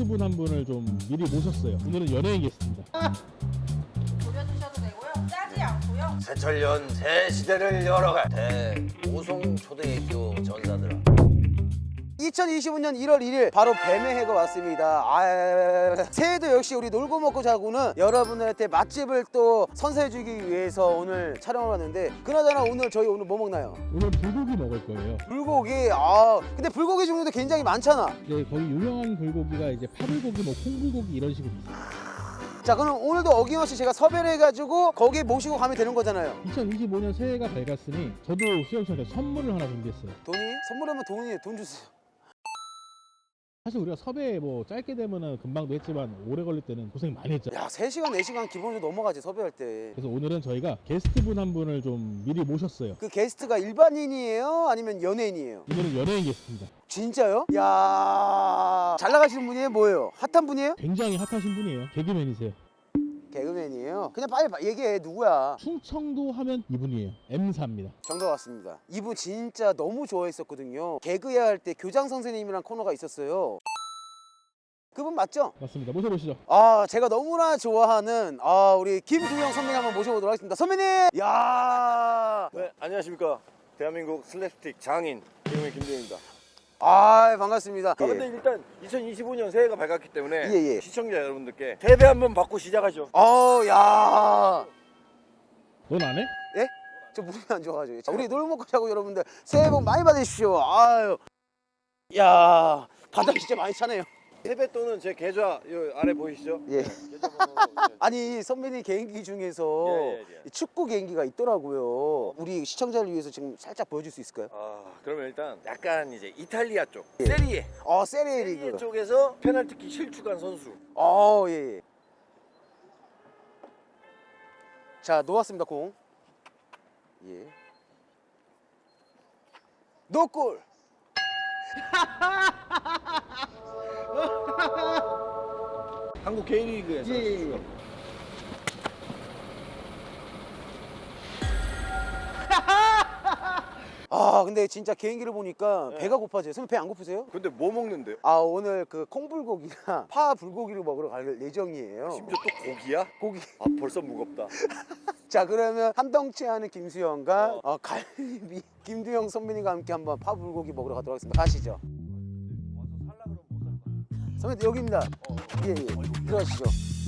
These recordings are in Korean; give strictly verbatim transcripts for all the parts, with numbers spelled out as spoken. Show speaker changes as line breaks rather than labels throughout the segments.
게스트분 한 분을 좀 미리 모셨어요. 오늘은 연예인 게스트입니다.
돌려주셔도 되고요. 짜지 않고요.
새철년 새 시대를 열어갈 대오송 초대교 전사들아.
이천이십오 년 일월 일일 바로 뱀의 해가 왔습니다. 아, 새해도 역시 우리 놀고 먹고 자고는 여러분들한테 맛집을 또 선사해주기 위해서 오늘 촬영을 왔는데, 그나저나 오늘 저희 오늘 뭐 먹나요?
오늘 불고기 먹을 거예요.
불고기. 아 근데 불고기 종류도 굉장히 많잖아.
이제 거기 유명한 불고기가 이제 파불고기, 뭐 콩불고기 이런 식으로 있어요.
자 그럼 오늘도 어김없이 제가 섭외를 해가지고 거기에 모시고 가면 되는 거잖아요.
이천이십오 년 새해가 밝았으니 저도 수영 씨한테 선물을 하나 준비했어요.
돈이? 선물하면 돈이에요. 돈 주세요.
사실 우리가 섭외 뭐 짧게 되면은 금방도 했지만 오래 걸릴 때는 고생 많이 했죠.
야 세 시간 네 시간 기본으로 넘어가지 섭외할 때.
그래서 오늘은 저희가 게스트분 한 분을 좀 미리 모셨어요.
그 게스트가 일반인이에요? 아니면 연예인이에요?
오늘은 연예인 게스트입니다.
진짜요? 야, 잘 나가시는 분이에요? 뭐예요? 핫한 분이에요?
굉장히 핫하신 분이에요. 개그맨이세요.
개그맨이에요? 그냥 빨리 얘기해. 누구야?
충청도 하면 이분이에요. 엠사입니다.
정답 왔습니다. 이분 진짜 너무 좋아했었거든요. 개그야 할 때 교장 선생님이란 코너가 있었어요. 그분 맞죠?
맞습니다. 모셔보시죠.
아, 제가 너무나 좋아하는 아 우리 김두영 선배님 한번 모셔보도록 하겠습니다. 선배님! 야,
네, 안녕하십니까. 대한민국 슬랩스틱 장인 개그맨 김대현입니다.
아 반갑습니다.
아, 근데 일단 이천이십오 년 새해가 밝았기 때문에
예, 예.
시청자 여러분들께 세배 한번 받고 시작하죠.
어, 야,
넌 안 해?
예? 저 무릎이 안 좋아가지고. 자, 우리 놀 먹고 자고 여러분들 새해 복 많이 받으십시오. 아유, 야, 바닥 진짜 많이 차네요.
세뱃돈은 제 계좌 요 아래 보이시죠?
예.
계좌 번호.
아니 선배님 개인기 중에서
예, 예, 예.
축구 개인기가 있더라고요. 우리 시청자를 위해서 지금 살짝 보여줄 수 있을까요?
아, 그러면 일단 약간 이제 이탈리아 쪽
예.
세리에
어, 세리에
세리에
리그.
쪽에서 페널티킥 실축한 선수.
어, 예, 예. 자, 놓았습니다, 공. 예. 노골.
한국 K리그에서
예, 예, 예. 아, 근데 진짜 개인기를 보니까
네.
배가 고파져요. 선배 배 안 고프세요?
근데 뭐 먹는데요?
아, 오늘 그 콩불고기나 파 불고기를 먹으러 갈 예정이에요.
심지어 또 고기야?
고기.
아, 벌써 무겁다.
자, 그러면 한덩치 하는 김수영과
어.
어, 갈비 김두영 선배님과 함께 한번 파 불고기 먹으러 가도록 하겠습니다. 가시죠. 선배님 여기입니다. 예, 예. 들어가시죠.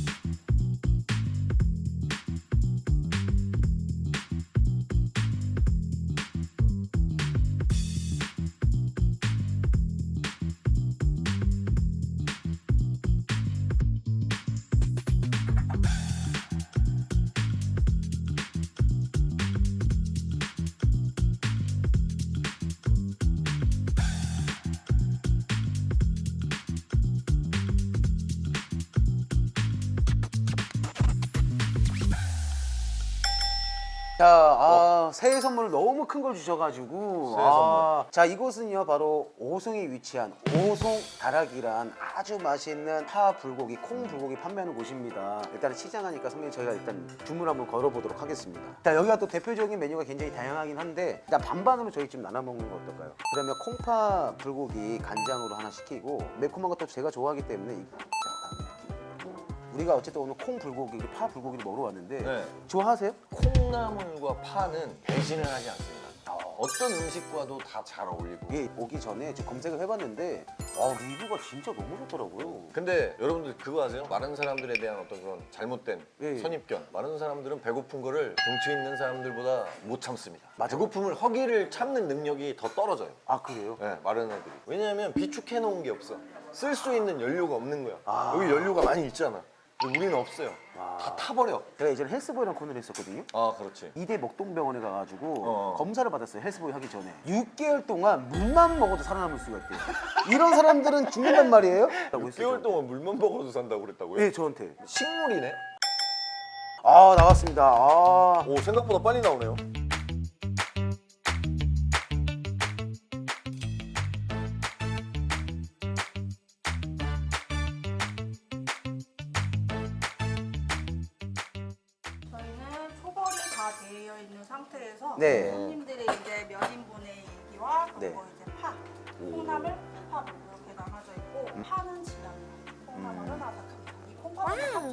자, 아, 새해 선물을 너무 큰 걸 주셔가지고.
새해
아, 자, 이곳은요, 바로 오송에 위치한 오송 다락이란 아주 맛있는 파 불고기, 콩 불고기 판매하는 곳입니다. 일단은 시장하니까 선배님 저희가 일단 주문 한번 걸어보도록 하겠습니다. 자, 여기가 또 대표적인 메뉴가 굉장히 다양하긴 한데, 일단 반반으로 저희 집 나눠 먹는 거 어떨까요? 그러면 콩파 불고기 간장으로 하나 시키고, 매콤한 것도 제가 좋아하기 때문에. 이- 우리가 어쨌든 오늘 콩 불고기, 파 불고기를 먹으러 왔는데
네.
좋아하세요?
콩나물과 파는 배신을 하지 않습니다. 어떤 음식과도 다 잘 어울리고.
이게 오기 전에 좀 검색을 해봤는데 아, 리뷰가 진짜 너무 좋더라고요.
근데 여러분들 그거 아세요? 많은 사람들에 대한 어떤 그런 잘못된
예, 예.
선입견. 많은 사람들은 배고픈 거를 덩치 있는 사람들보다 못 참습니다.
맞아.
배고픔을 허기를 참는 능력이 더 떨어져요.
아 그래요?
네, 마른 애들이. 왜냐하면 비축해 놓은 게 없어. 쓸 수 있는 연료가 없는 거야.
아.
여기 연료가 많이 있잖아. 근데 우리는 없어요.
아.
다 타버려.
제가 예전에 헬스보이라는 코너를 했었거든요.
아, 그렇지.
이대 목동병원에 가가지고
어.
검사를 받았어요. 헬스보이 하기 전에 육 개월 동안 물만 먹어도 살아남을 수가 있대요. 이런 사람들은 죽는단 말이에요?
육 개월 동안 물만 먹어도 산다고 그랬다고요?
네, 저한테.
식물이네?
아 나왔습니다. 아.
오, 생각보다 빨리 나오네요.
저희는 초벌이 다 되어 있는 상태에서
네.
손님들의 이제 몇 인분의 얘기와 그리고
네.
이제 파, 콩나물, 파 이렇게 나눠져 있고 파는 진합니다.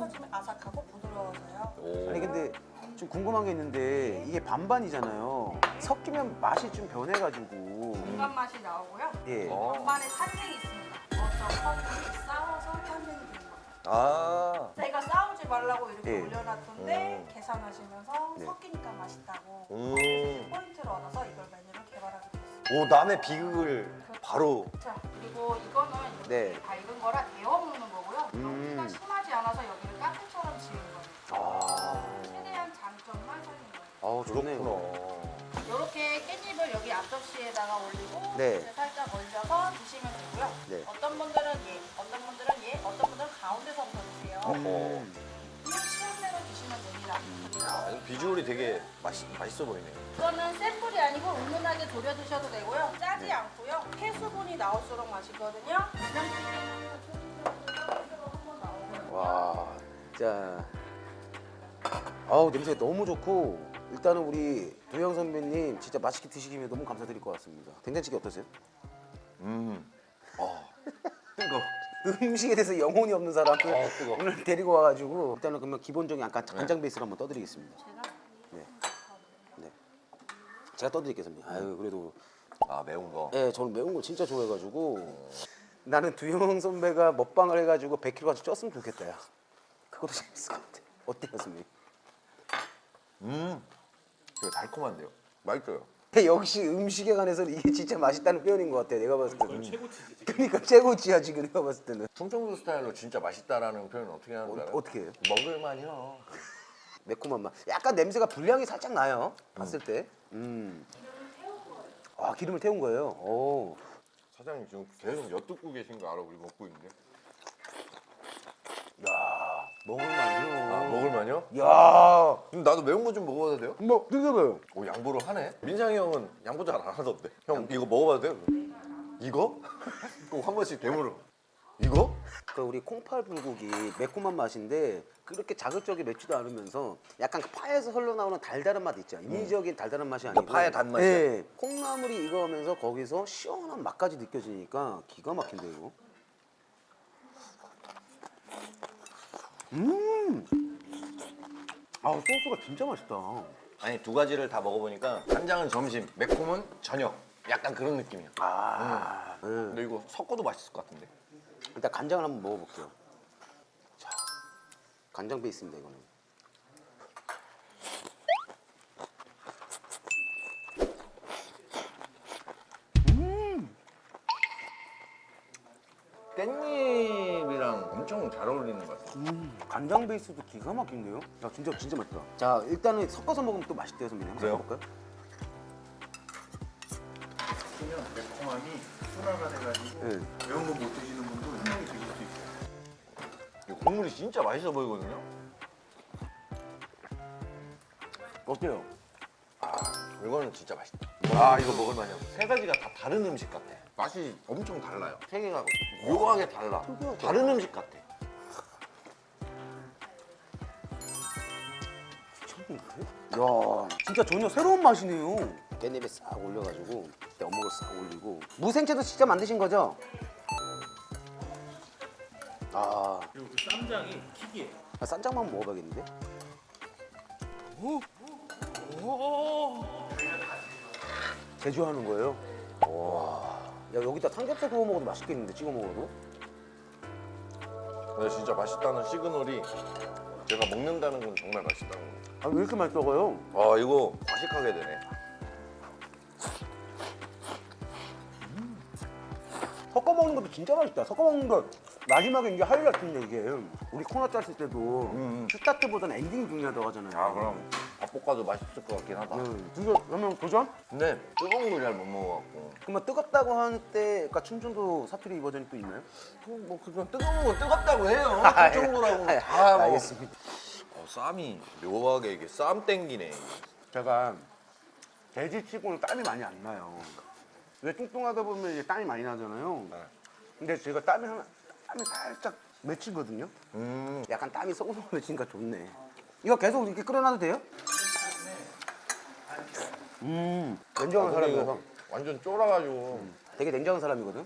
좀 아삭하고 부드러워져요.
오.
아니 근데 좀 궁금한 게 있는데 이게 반반이잖아요. 섞이면 맛이 좀 변해가지고.
중간 맛이 나오고요.
예.
어.
반반에 탄생이 있습니다. 어떤 커플이 싸워서 탄생이 되는 거예요.
아.
제가 싸우지 말라고 이렇게
예.
올려놨던데
음.
계산하시면서
네.
섞이니까 맛있다고
음.
포인트를 얻어서 이걸 메뉴를 개발하게 됐어요.
오 남의 비극을 바로.
자, 그리고 이거는 이렇게
네.
밝은 거라 데워 먹는 거고요.
음.
여기가 심하지 않아서 여기를 카페처럼 지은 거예요.
아.
최대한 장점만 살린 거예요.
아우 좋네요.
그렇구나.
이렇게 깻잎을 여기 앞접시에다가 올리고
네.
이제 살짝 올려서 드시면 되고요.
네.
어떤 분들은 얘, 어떤 분들은 얘, 어떤 분들은 가운데서부터 드세요.
음.
그냥 취향대로 드시면 됩니다.
야, 이거 비주얼이 되게 맛있, 맛있어 보이네.
이거는 센 불이 아니고 은은하게 졸여 드셔도 되고요. 짜지 않고요. 폐수분이 나올수록 맛있거든요. 한번 나오고요.
와, 자, 아우 냄새 너무 좋고 일단은 우리 도영 선배님 진짜 맛있게 드시기면 너무 감사드릴 것 같습니다. 된장찌개 어떠세요?
음. 어. 뜨거.
음식에 대해서 영혼이 없는 사람을
어, 뜨거.
오늘 데리고 와가지고 일단은 그러면 기본적인 약간 간장 베이스로 한번 떠드리겠습니다.
제가
네, 네, 제가 떠드릴게요 선배님. 아유 그래도
아 매운 거.
예, 저는 매운 거 진짜 좋아해가지고 나는 두영 선배가 먹방을 해가지고 백 킬로그램 쪘으면 좋겠다. 야. 그것도 재밌을 것 같아. 어때요 선배님?
음. 되게 달콤한데요. 맛있어요.
역시 음식에 관해서는 이게 진짜 맛있다는 표현인 것 같아. 내가 봤을 때는. 최고치지. 그러니까 최고치야 지금 내가 봤을 때는.
충청도 스타일로 진짜 맛있다라는 표현을 어떻게 하는 줄
어,
알아요?
어떻게 해요?
먹을만요.
매콤한 맛. 약간 냄새가 불량이 살짝 나요. 봤을 때. 음. 아 기름을 태운 거예요. 오.
사장님 지금 계속 엿듣고 계신 거 알아? 우리 먹고 있는데.
야 먹을만요.
아 먹을만요?
야.
그럼 나도 매운 거 좀 먹어봐도 돼요?
뭐 드셔봐요.
오 양보를 하네. 민상이 형은 양보 잘 안 하던데. 형 이거 먹어봐도 돼요? 이거? 꼭 한 번씩 되물어. 이거?
그 우리 콩팥 불고기 매콤한 맛인데 그렇게 자극적이 맵지도 않으면서 약간 그 파에서 흘러나오는 달달한 맛 있죠. 인위적인 달달한 맛이 아니고
그러니까 파의 단맛이야.
네, 콩나물이 익어가면서 거기서 시원한 맛까지 느껴지니까 기가 막힌데 이거. 음. 아 소스가 진짜 맛있다.
아니 두 가지를 다 먹어보니까 간장은 점심, 매콤은 저녁. 약간 그런 느낌이야.
아. 네.
근데 이거 섞어도 맛있을 것 같은데.
일단 간장을 한번 먹어볼게요. 자, 간장 베이스입니다 이거는.
깻잎이랑 엄청 잘 어울리는 것 같아.
음, 간장 베이스도 기가 막힌데요? 야 진짜 진짜 맛있다. 자 일단은 섞어서 먹으면 또 맛있대요 선배님. 한번
그래요?
해볼까요?
그냥 매콤함이 순화가 돼가지고
네.
매운 거 못 드시는 분도 분명히 드실 수 있어요.
이 국물이 진짜 맛있어 보이거든요.
어때요?
아 이거는 진짜 맛있다. 아 이거 먹을만해요. 세 가지가 다 다른 음식 같아. 맛이 엄청 달라요. 세 개가 묘하게 달라.
특이하다.
다른 음식 같아.
야 진짜 전혀 새로운 맛이네요. 깻잎에 싹 올려가지고 그때 어묵을 싹 올리고 무생채도 진짜 만드신 거죠? 아,
그리고 그 쌈장이 킥이에요.
아 쌈장만 한번 먹어봐야겠는데? 제조하는 거예요? 와, 야 여기다 삼겹살 구워 먹어도 맛있겠는데 찍어 먹어도?
근데 진짜 맛있다는 시그널이 제가 먹는다는 건 정말 맛있다는 거.
아 왜 이렇게 맛있어요?
아 이거 과식하게 되네.
섞어 먹는 것도 진짜 맛있다. 섞어 먹는 거 마지막에 이게 하이라이트인데 이게 우리 코너 짰을 때도
음.
스타트보다는 엔딩이 중요하다고 하잖아요.
아 그럼 밥 볶아도 맛있을 것 같긴 하다.
음, 진짜 그러면 도전?
근데 뜨거운 걸 잘 못 먹어갖고.
그러면 뜨겁다고 하는 때, 그러니까 충청도 사투리 버전이 또 있나요?
그, 뭐 그건 뜨거운 건 뜨겁다고 해요. 충청도라고
아,
다 뭐.
알겠습니다.
어, 쌈이 묘하게 이게 쌈 땡기네.
제가 돼지치고는 땀이 많이 안 나요. 왜 뚱뚱하다 보면 이제 땀이 많이 나잖아요.
네.
근데 제가 땀이 하나, 땀이 살짝 맺히거든요.
음.
약간 땀이 쏙쏙 맺히니까 좋네. 이거 계속 이렇게 끓여놔도 돼요? 음, 냉정한
아, 근데
사람이라서
이거 완전 쫄아가지고.
되게 냉정한 사람이거든.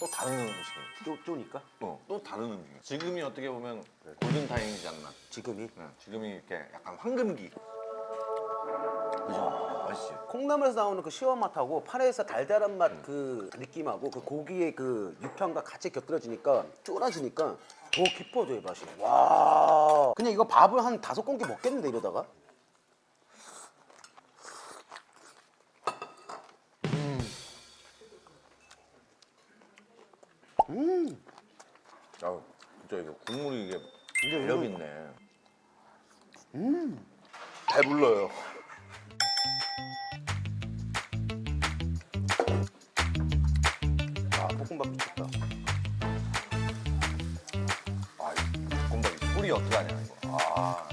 또 다른 음식이네.
쪼, 쪼니까?
어, 또 다른 음식이야. 지금이 어떻게 보면 골든 타임이지 않나?
지금이?
네, 지금이 이렇게 약간 황금기. 그죠? 맛있지?
콩나물에서 나오는 그 시원 맛하고 파에서 달달한 맛 그 느낌하고 그 고기의 그 육향과 같이 곁들여지니까 쫄아지니까 더 깊어져요 맛이. 와 그냥 이거 밥을 한 다섯 공기 먹겠는데 이러다가. 음.
아, 진짜 이거 국물이 이게
근데
매력
이거-
있네. 음. 배불러요.
아 볶음밥 미쳤다.
아, 이 볶음밥이 소리 어떡하냐 이거. 아.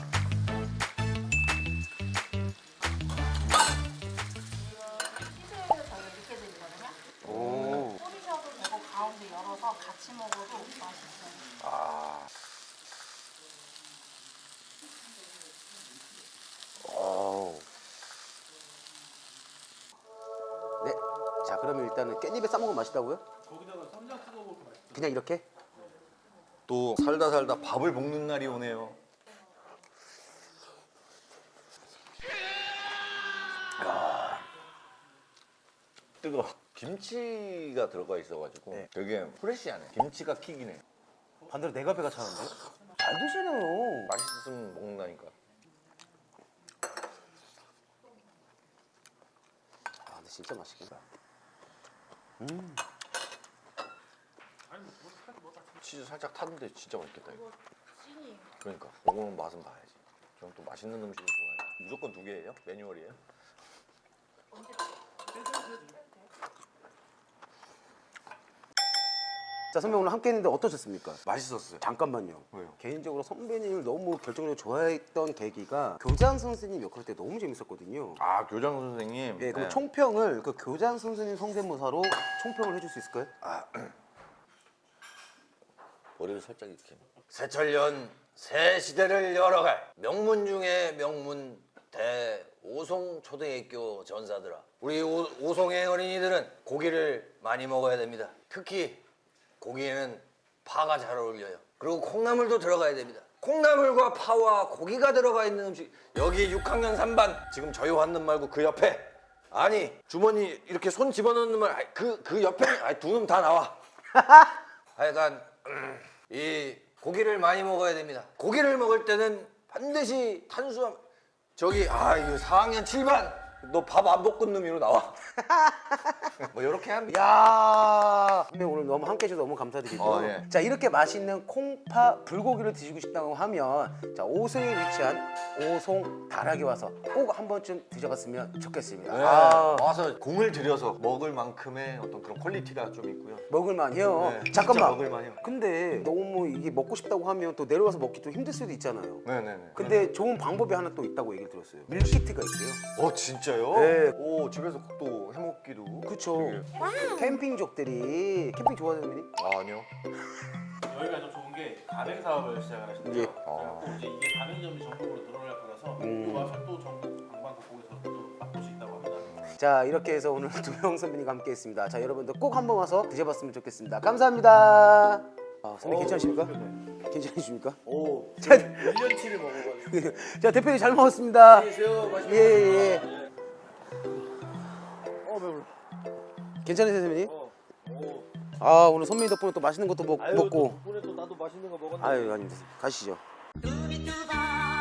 시즈에서 저희가 이렇게 드리거든요.
오.
뿌리셔도 되고 가운데 열어서 같이 먹어도 맛있어요.
아.
오. 네. 자 그러면 일단은 깻잎에 싸먹으면 맛있다고요?
거기다가 쌈장 찍어 먹으면 맛있어.
그냥 이렇게?
또 살다 살다 밥을 볶는 날이 오네요. 야. 뜨거. 김치가 들어가 있어가지고
네.
되게 프레시하네. 김치가 킥이네.
반대로 내가 배가 차는데? 잘 드시네요.
맛있으면 먹는다니까.
아 근데 진짜 맛있겠다.
치즈 살짝 탔는데 진짜 맛있겠다 이거.
찐이에요.
그러니까 먹으면 맛은 봐야지. 저는 또 맛있는 음식을 좋아해요. 무조건 두 개예요? 매뉴얼이에요?
자 선배 오늘 함께 했는데 어떠셨습니까?
맛있었어요.
잠깐만요.
왜요?
개인적으로 선배님을 너무 결정적으로 좋아했던 계기가 교장 선생님 역할 때 너무 재밌었거든요.
아 교장 선생님.
예, 그럼
네.
총평을 그 교장 선생님 성대모사로 총평을 해줄 수 있을까요?
머리를 살짝 이렇게. 새철년 새 시대를 열어갈 명문 중의 명문 대오송 초등학교 전사들아. 우리 오, 오송의 어린이들은 고기를 많이 먹어야 됩니다. 특히 고기에는 파가 잘 어울려요. 그리고 콩나물도 들어가야 됩니다. 콩나물과 파와 고기가 들어가 있는 음식. 여기 육 학년 삼 반 지금 저희 왔는 말고 그 옆에. 아니 주머니 이렇게 손 집어넣는 말 그 그 옆에 아니 두 놈 다 나와. 하여간 음, 이 고기를 많이 먹어야 됩니다. 고기를 먹을 때는 반드시 탄수화물. 저기 아 이거 사 학년 칠 반 너 밥 안 볶은 놈이로 나와. 뭐 이렇게 합니다.
야 선배 오늘 너무 함께 해주셔서 너무 감사드리죠.
어, 예.
자 이렇게 맛있는 콩파 불고기를 드시고 싶다고 하면 자 오송에 위치한 오송 다락에 와서 꼭 한 번쯤 드셔봤으면 좋겠습니다.
네,
아,
와서 공을 들여서 먹을 만큼의 어떤 그런 퀄리티가 좀 있고요.
먹을만해요.
네, 진짜
잠깐만.
먹을만해요.
근데 너무 이게 먹고 싶다고 하면 또 내려와서 먹기 좀 힘들 수도 있잖아요.
네네네.
근데 좋은 방법이 하나 또 있다고 얘기를 들었어요. 밀키트가 있대요.
어 진짜요?
네.
오 집에서 또 해먹기도.
그쵸.
되게-
캠핑족들이 캠핑 좋아하는 분이?
아, 아니요.
여기가 좀 좋은 게 가맹 사업을 시작을 하셨대요.
예.
그래갖고 이제 이게 가맹점이 전국으로 늘어날 거라서
음.
또 와서 또 전국 방방곡곡에서 또 맛볼 수 있다고 합니다.
자 이렇게 해서 오늘 두명 선배님과 함께 했습니다. 자 여러분들 꼭 한번 와서 드셔봤으면 좋겠습니다. 감사합니다. 아, 선배 괜찮으십니까? 괜찮으십니까?
오,
자,
일 년치를 먹어가지고.
자 대표님 잘 먹었습니다.
안녕하세요. 맛있게
예예.
먹었습니다. 어, 배불러.
괜찮으세요 선배님?
어, 오.
아 오늘 선배님 덕분에 또 맛있는 것도 먹,
아유,
먹고.
덕분에 또 나도 맛있는 거 먹었네.
아유 아닙니다. 가시죠.
두비두바